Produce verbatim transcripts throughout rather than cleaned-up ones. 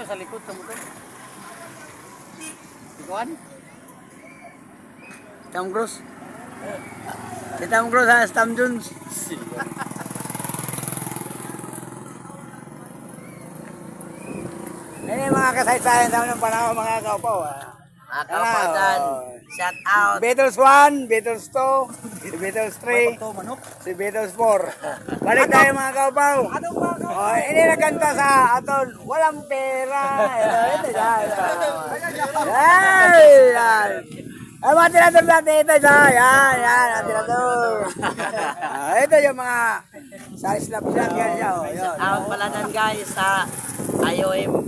sa likod sa motor. Ikuan? Tom Cruise. Si Tom Cruise ha, Tom Jones. Ini mga kasaysayan sa ng panahon mga kaupaw. Mga kaupaw dyan, shout out. Beatles one, Beatles two, Beatles three, si Beatles four. Balik tayo mga kaupaw. Oh, ini nagkanta sa aton, walang pera. Ito, ito, yan. Yan, yan. Ay, mga tirador natin ito, yan, yan, yan, mga tirador. Ah, ito yung mga sa slap-slap yan siya. Oh, yun. Shout out pala nan guys sa I O M.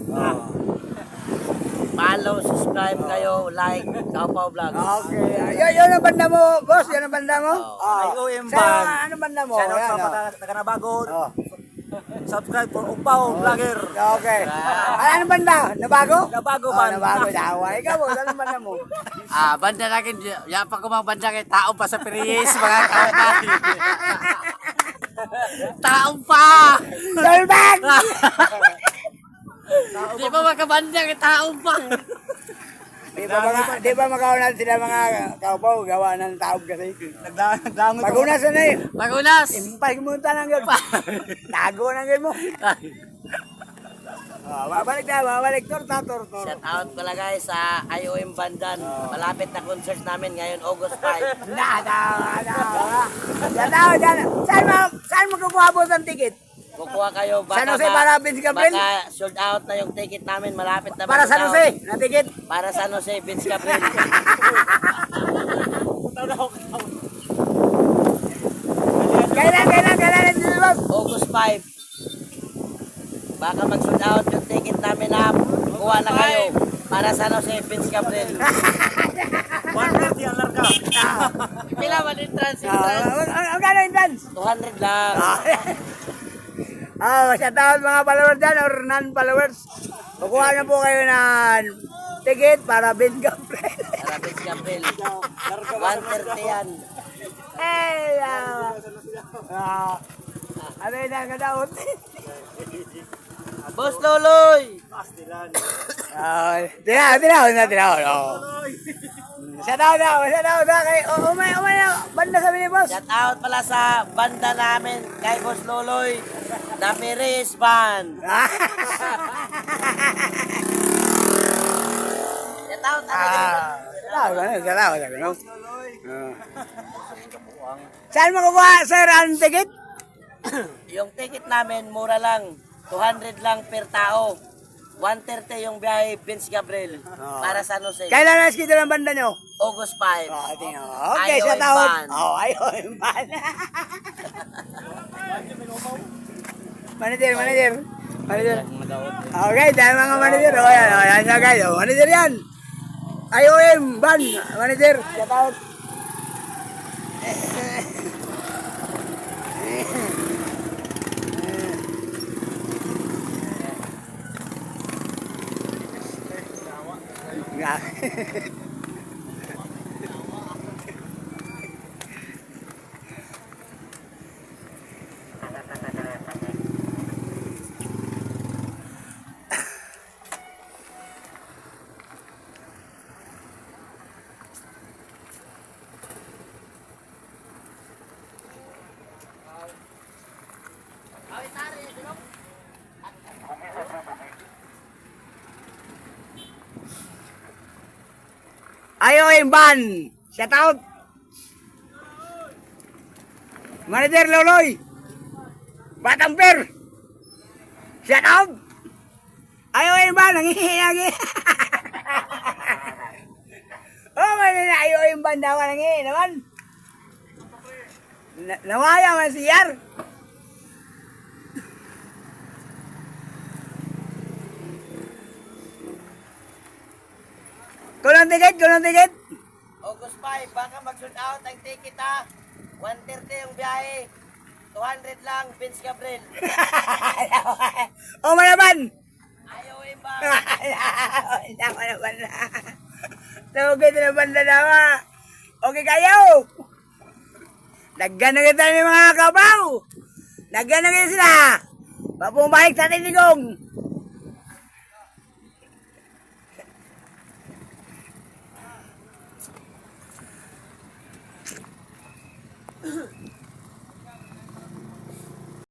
Follow, subscribe kayo, like, Kaupaw Vlog. Okay. Yun, yun ang banda mo, boss. Yun ang banda mo. Oh. I O M Sa, band. ano banda mo? Shout out Yan, sa oh. mga nakanabagon. Oh. Subscribe for Upaw Vlogger. Okay. Ay, ano banda? Nabago? Nabago Oh, band. nabago. Dawa. Ikaw, boss. Ano banda mo? Ah, banda natin, yan pa ko mga banda kay tao pa sa Periyes, mga kaupaw. Tao pa! Dolbag! Di ba magkabanda kay tao pa? Di ba, mga, di ba magawa sila mga kaupaw? Gawa ng taob kasi. Nagdangon ko. Pagunas na eh. Magulas! Impay mo ng gano'n. Tago ng gano'n mo. Oh, babalik na, babalik. Torta, torta. Shout out pala guys sa I O M Bandan. Malapit na concert namin ngayon, August five. Na, na, na. Yan na, yan. Saan mo, saan mo kukuha po ng ticket? Kukuha kayo baka, San Jose para Vince Gabriel? baka sold out na yung ticket namin, malapit na Para San mag-sold Jose, out. na ticket? Para San Jose, Vince Gabriel. Kailan, kailan, kailan na dito, boss? August five. Baka mag-sold out yung ticket namin na kuha na kayo. Para San Jose, Vince Gabriel. one fifty ang larga. Pila man entrance, Ah, entrance. Ang ang gano'n yung dance? two hundred lang. Ah, shout out mga followers dyan or non-followers. Kukuha na po kayo ng ticket para Vince Gabriel. Para Vince Gabriel. one thirty yan. Hey, ah. Ah. Ano yun ang kadaot? Boss Loloy! Ah, tinaw, tinaw, tinaw, tinaw. Shout out na, shout out na kay, oh, umay, umay na, banda sabi ni boss. Shout out pala sa banda namin kay Boss Loloy, The Perez Band. Shout out, ano Ah, shout out, shout out, shout out. Ah. Saan mo kukuha, sir, ang ticket? Yung ticket namin, mura lang. two hundred lang per tao. one thirty yung biyahe Vince Gabriel para San Jose. Kailan na schedule ang banda nyo? August five. Oh, tingnan mo. Okay, I O M shout out. band. Oh, I O M band. Manager, manager. Manager. Okay, dahil mga manager. Oh, yan, oh, yan, yan, guys. Oh, manager yan. I O M band. Manager, shout out. I O M band. Shout out. Manager Loloy. Batang Per. Shout out. I O M band. Nangihinagi. Oh, may na I O M band daw. Nangihinagi naman. Na- Nawaya man si Yar. Kulang ticket, kulang ticket. August five, baka mag-sold out ang ticket ha. one thirty yung biyahe. two hundred lang, Vince Gabriel. Oh, malaban. I O M ba? Hindi ako naman na. Tugay na banda naman. Okay kayo. Naggan na kita ni mga kabaw. Naggan na kita sila. Papumalik sa tinigong.